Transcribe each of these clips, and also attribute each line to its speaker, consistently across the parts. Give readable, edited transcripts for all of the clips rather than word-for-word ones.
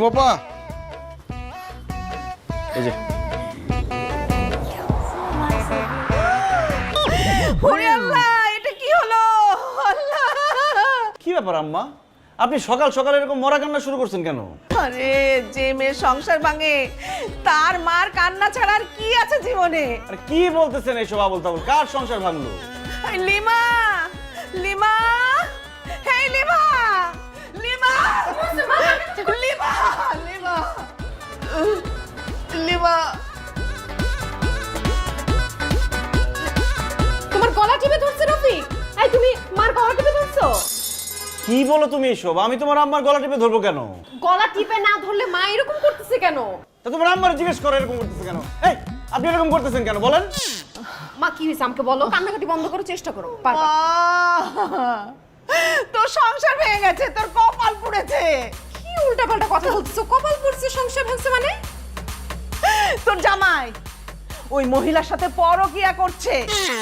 Speaker 1: বাবা এই যে
Speaker 2: ওরে আল্লাহ, এটা কি হলো? আল্লাহ,
Speaker 3: কি ব্যাপার আম্মা, আপনি সকাল সকাল এরকম মরা কান্না শুরু করছেন কেন?
Speaker 2: আরে যে মেয়ে সংসার ভাঙে তার মার কান্না ছাড়া আর কি আছে জীবনে?
Speaker 3: আরে কি বলতেছেন এইসব আবল তাবল? কার সংসার ভাঙলো?
Speaker 2: এই লিমা, লিমা, হেই লিমা, লিমা, লিমা, লিমা, লিমা।
Speaker 4: তোমার গলা টিপে ধরছে রফিক। এই তুমি মার গলা টিপে ধরছো?
Speaker 3: কি বলো তুমি এসব? আমি তোমার আম্মার গলা টিপে ধরবো কেন?
Speaker 4: গলা টিপে না ধরলে মা এরকম করতেছে কেন?
Speaker 3: তা তোমার আম্মার জিজ্ঞেস করো এরকম করতেছে কেন। এই আপনি এরকম করতেছেন কেন বলেন?
Speaker 4: মা কি হয়েছে আমাকে বলো, কান্নাকাটি বন্ধ করার চেষ্টা করো। পারবা।
Speaker 2: তোর সংসার ভেঙে গেছে, তোর কপাল পুড়েছে।
Speaker 4: কি উল্টাপাল্টা কথা বলছো? কপাল পড়ছে, সংসার ভাঙছে মানে?
Speaker 2: তোর জামাই ওই মহিলার সাথে পরকিয়া করছে।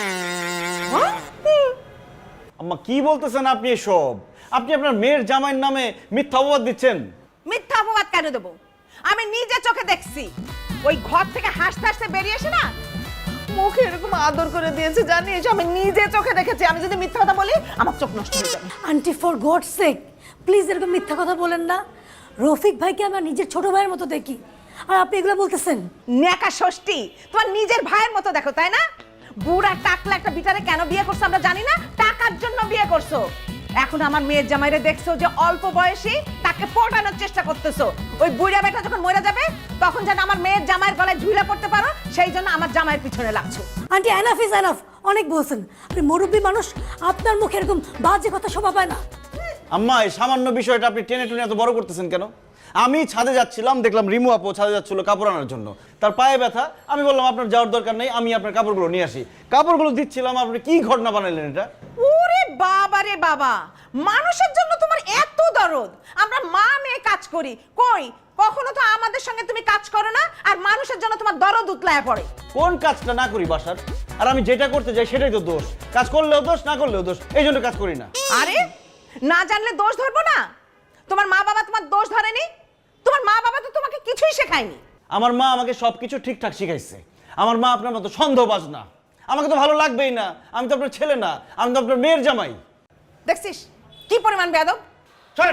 Speaker 3: আম্মা কি বলতেছেন আপনি এসব? আপনি আপনার মেয়ের জামাইয়ের নামে মিথ্যা অপবাদ দিচ্ছেন।
Speaker 2: মিথ্যা অপবাদ কেন দেবো? আমি নিজে চোখে দেখছি। ওই ঘর থেকে হাসতে হাসতে বেরিয়ে এসে না মুখে এরকম আদর করে দিয়েছে, জানিস? আমি নিজে চোখে দেখেছি। আমি যদি মিথ্যা কথা বলি আমার চোখ নষ্ট হয়ে যাবে।
Speaker 5: Aunty for God sake please এরকম মিথ্যা কথা বলেন না। রফিক ভাইকে আমার নিজের ছোট ভাইয়ের মতো দেখি, আর আপনি এগুলো বলতেছেন?
Speaker 2: নেকা ষষ্ঠী, তোমার নিজের ভাইয়ের মতো দেখো, তাই না? বুড়া টাকলা একটা বিটারে কেন বিয়ে করছো আমরা জানি না, টাকার জন্য বিয়ে করছো। এখন আমার মেয়ের জামাইরে দেখছো যে অল্প বয়সী, তাকে পটানোর চেষ্টা করতেছো। ওই বুড়া বেটা যখন মরে যাবে তখন যেন আমার মেয়ের জামাইয়ের গলায় ঝুলে পড়তে পারো, সেই জন্য আমার জামাইয়ের পিছনে লাগছো।
Speaker 5: আন্টি এনাফ ইজ এনাফ, অনেক বলছেন। আপনি মুরব্বী মানুষ, আপনার মুখে এরকম বাজে কথা শোভা পায় না।
Speaker 3: আম্মা এই সামান্য বিষয়টা আপনি টেনে টুনে এত বড় করতেছেন কেন? আমি ছাদে যাচ্ছিলাম, দেখলাম রিমু আপু ছাদে যাচ্ছিল কাপড় আনার জন্য। তার পায়ে ব্যথা, আমি বললাম আপনার যাওয়ার দরকার নেই, আমি আপনার কাপড়গুলো নিয়ে আসি। কাপড়গুলো দিচ্ছিলাম, আপনি কি ঘটনা বানাইলেন এটা?
Speaker 2: ওরে বাবা রে বাবা, মানুষের জন্য তোমার এত দরদ। আমরা মা মেয়ে কাজ করি, কই কখনো তো আমাদের সঙ্গে তুমি কাজ করো না, আর মানুষের জন্য তোমার দরদ উতলায় পড়ে।
Speaker 3: কোন কাজটা না করি বাসার? আর আমি যেটা করতে যাই সেটাই তো দোষ। কাজ করলেও দোষ, না করলেও দোষ, এই জন্য কাজ করি না।
Speaker 2: আরে না জানলে দোষ ধরবো না? তোমার মা বাবা তোমার দোষ ধরেনি? তোমার মা বাবা তো তোমাকে কিছুই শেখায়নি।
Speaker 3: আমার মা আমাকে সবকিছু ঠিকঠাক শিখাইছে। আমার মা আপনার মতো সন্দেহবাজ না। আমাকে তো ভালো লাগবেই না, আমি তো আপনার ছেলে না, আমি তো আপনার মেয়ের জামাই।
Speaker 2: দেখছিস কি পরিমাণ বেয়াদব?
Speaker 3: চলেন।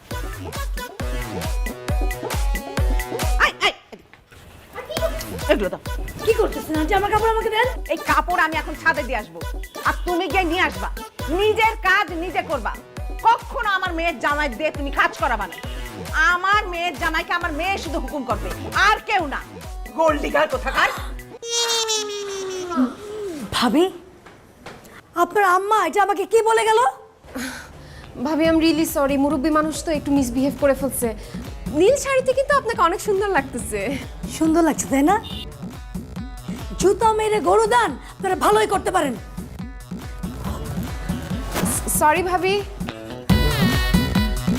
Speaker 2: আই আই এগুলো দাও।
Speaker 5: কি করতেছেন আন্টি? আমার কাপড় আমাকে দেন।
Speaker 2: এই কাপড় আমি এখন ছাদে দিয়ে আসবো, আর তুমি গিয়ে নিয়ে আসবা। নিজের কাজ নিজে করবা। কখনো আমার মেয়ের জামাই দিয়ে তুমি কাজ করাবা না। আমার মেয়ের জামাইকে আমার মেয়ে শুধু হুকুম করবে, আর কেউ না। গোল্ড ডিগার কোথাকার।
Speaker 5: ভাবি, আপনার আম্মা এটা আমাকে কি বলে গেল?
Speaker 4: ভাবি আই এম রিয়েলি সরি, মুরব্বী মানুষ তো একটু মিসবিহেভ করে ফেলছে। নীল শাড়িতে কিন্তু আপনাকে অনেক সুন্দর লাগতেছে।
Speaker 5: সুন্দর লাগছে তাই না? জুতা মেরে গরু দান আপনারা ভালোই করতে পারেন।
Speaker 4: সরি ভাবি।